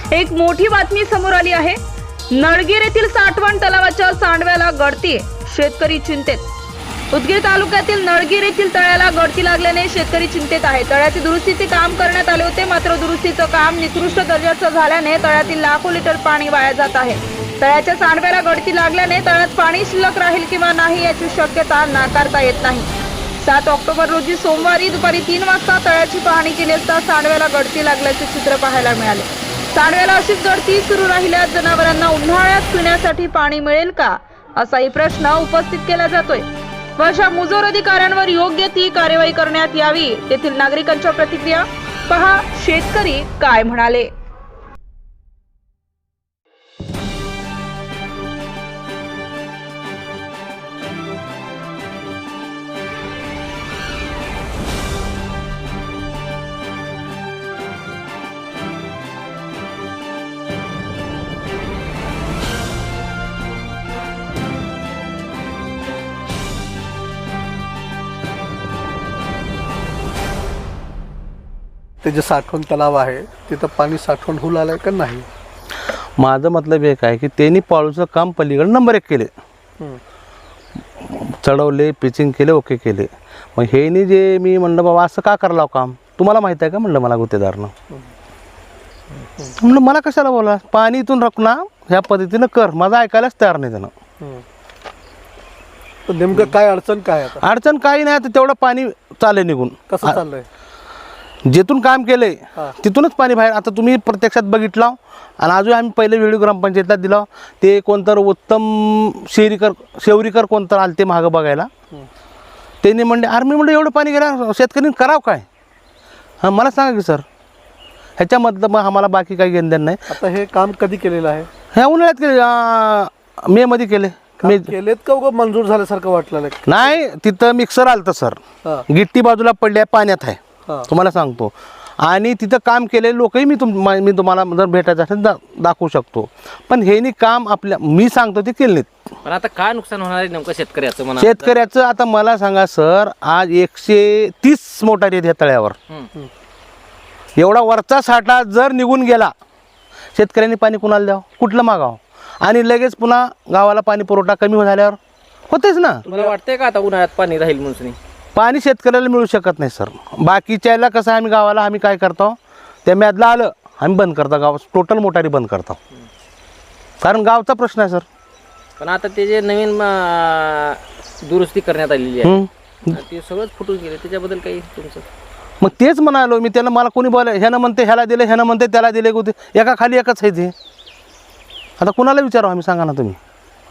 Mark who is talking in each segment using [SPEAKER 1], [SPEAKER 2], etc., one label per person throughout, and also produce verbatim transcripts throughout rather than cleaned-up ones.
[SPEAKER 1] एक मोठी बातमी समोर आली आहे। नळगीर येथील साठवण तलावाच्या सांडव्याला गळती, शेतकरी चिंतेत। उदगीर तालुक्यातील नळगीर येथील तळ्याला गळती लागल्याने शेतकरी चिंतेत आहे। तळ्याचे दुरुस्तीचे काम करण्यात आले होते, मात्र दुरुस्तीचं काम निकृष्ट दर्जाचं झाल्याने तळ्यातील लाखो लिटर पाणी वाया जात आहे। तळ्याच्या सांडव्याला गळती लागल्याने तळ्यात पाणी शिल्लक राहील किंवा नाही याची शक्यता नाकारता येत नाही। सात ऑक्टोबर रोजी सोमवारी दुपारी तीन वाजता तळ्याची पाहणी केली असता सांडव्याला गळती लागल्याचे चित्र पाहायला मिळाले। सांडव्याला अशीच गळती सुरू राहिल्यास जनावरांना उन्हाळ्यात पिण्यासाठी पाणी मिळेल का, असाही प्रश्न उपस्थित केला जातोय। व अशा मुजोर अधिकाऱ्यांवर योग्य ती कार्यवाही करण्यात यावी। येथील नागरिकांच्या प्रतिक्रिया पहा, शेतकरी काय म्हणाले।
[SPEAKER 2] ते जे साठवण तलाव आहे तिथं पाणी साठवण होऊ लागलंय का नाही?
[SPEAKER 3] माझं मतलब एक आहे की त्यांनी पाळूचं काम पलीकडे नंबर एक केले, चढवले, पिचिंग केले, ओके केले। मग हेनी जे मी म्हणलं बाबा असं का करावं काम, तुम्हाला माहिती आहे का म्हणलं मला गुत्तेदारनं। म्हणलं मला कशाला बोला, पाणी इथून रखना ह्या पद्धतीनं कर, माझं ऐकायलाच तयार नाही त्यानं।
[SPEAKER 2] तर नेमकं काय अडचण काय आता?
[SPEAKER 3] अडचण काही नाही, तर तेवढं पाणी चाले निघून।
[SPEAKER 2] कसं चाललंय?
[SPEAKER 3] जिथून काम केलंय तिथूनच पाणी बाहेर। आता तुम्ही प्रत्यक्षात बघितलं आणि अजून आम्ही पहिले व्हिडिओ ग्रामपंचायतला दिला, ते कोणतर उत्तम शेरीकर शेवरीकर कोणतर आले ते मागं बघायला। त्यांनी म्हणले अरे मी म्हणलं एवढं पाणी गेलं शेतकऱ्यांनी करावं काय? हां मला सांगा की सर, ह्याच्यामधलं मग आम्हाला बाकी काही घेणं नाही।
[SPEAKER 2] आता हे काम कधी केलेलं आहे?
[SPEAKER 3] ह्या उन्हाळ्यात केले, मे मध्ये केले।
[SPEAKER 2] मे केलेत का उगा मंजूर झाल्यासारखं वाटलं
[SPEAKER 3] नाही? तिथं मिक्सर आलतं सर, गिट्टी बाजूला पडल्या पाण्यात आहे तुम्हाला सांगतो। आणि तिथं काम केलेले लोकही मी तुम मी तुम्हाला जर भेटायचं असेल दा दाखवू शकतो। पण हे काम आपल्या मी सांगतो ते केले नाहीत।
[SPEAKER 4] पण आता काय नुकसान होणार आहे नेमकं शेतकऱ्याचं म्हणा?
[SPEAKER 3] शेतकऱ्याचं आता मला सांगा सर, आज एकशे तीस मोटारी आहेत ह्या तळ्यावर। एवढा वरचा साठा जर निघून गेला, शेतकऱ्यांनी पाणी कुणाला द्यावं, कुठलं मागावं? आणि लगेच पुन्हा गावाला पाणी पुरवठा कमी झाल्यावर होतेच ना।
[SPEAKER 4] तुम्हाला वाटतंय का आता उन्हाळ्यात पाणी राहील म्हणून?
[SPEAKER 3] पाणी शेतकऱ्याला मिळू शकत नाही सर। बाकीच्याला कसं आम्ही गावाला आम्ही काय करतो, त्या म्यादला आलं आम्ही बंद करतो, गाव टोटल मोटारी बंद करतो, कारण गावचा प्रश्न आहे सर।
[SPEAKER 4] पण आता ते जे नवीन दुरुस्ती करण्यात आलेली आहे ते सगळंच फुटून गेले, त्याच्याबद्दल काही तुमचं?
[SPEAKER 3] मग तेच म्हणालो मी त्याला, मला कोणी बोलाय ह्यानं म्हणते ह्याला दिले, ह्यानं म्हणते त्याला दिले, कुठे एका खाली एकच आहे ते। आता कुणाला विचारू आम्ही, सांगा ना तुम्ही?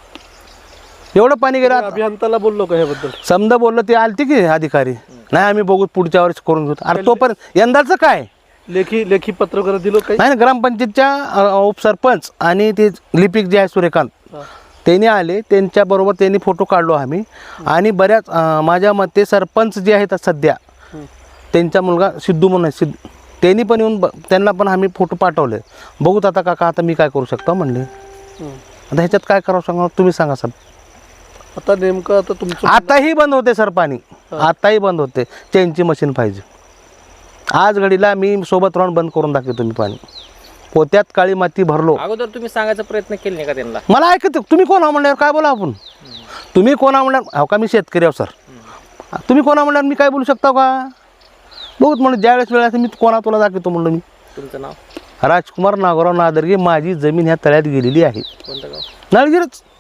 [SPEAKER 3] एवढं पाणी गेलं।
[SPEAKER 2] अभियंताला बोललो का ह्याबद्दल?
[SPEAKER 3] समजा बोललो, ते आलते की अधिकारी, नाही आम्ही बघू पुढच्या वर्षी करून घेऊ। अरे तोपर्यंत यंदाचं काय
[SPEAKER 2] लेखी लेखी पत्र वगैरे दिलं काही
[SPEAKER 3] नाही ना? ग्रामपंचायतच्या उपसरपंच आणि ते लिपिक जे आहे सूर्यकांत, त्यांनी आले, त्यांच्याबरोबर त्यांनी फोटो काढलो आम्ही। आणि बऱ्याच माझ्या मते सरपंच जे आहेत सध्या, त्यांचा मुलगा सिद्धू म्हणून सिद्ध, त्यांनी पण येऊन त्यांना पण आम्ही फोटो पाठवले। बघूत आता काका, आता मी काय करू शकतो म्हणले। आता ह्याच्यात काय करावं सांगा तुम्ही, सांगा सर।
[SPEAKER 2] आता नेमकं आता तुमचं
[SPEAKER 3] आताही बंद होते सर पाणी, आताही बंद होते। चेनची मशीन पाहिजे आज घडीला, मी सोबत राहून बंद करून दाखवतो मी पाणी। पोत्यात काळी माती भरलो।
[SPEAKER 4] अगोदर तुम्ही सांगायचा प्रयत्न केला नाही का त्यांना?
[SPEAKER 3] मला ऐकत, तुम्ही कोण आहो म्हणल्यावर काय बोला आपण? तुम्ही कोण आहो म्हणल्यावर, हो का मी शेतकरी आहो सर, तुम्ही कोण आहो म्हणल्यावर मी काय बोलू शकता का? बहुत म्हणून ज्या वेळेस वेळ असेल मी कोणा तुला दाखवतो म्हणलं मी।
[SPEAKER 4] तुमचं नाव?
[SPEAKER 3] राजकुमार नागोराव नादर्गे। माझी जमीन ह्या तळ्यात गेलेली आहे।
[SPEAKER 4] कोणतं गाव?
[SPEAKER 3] नळगीरच।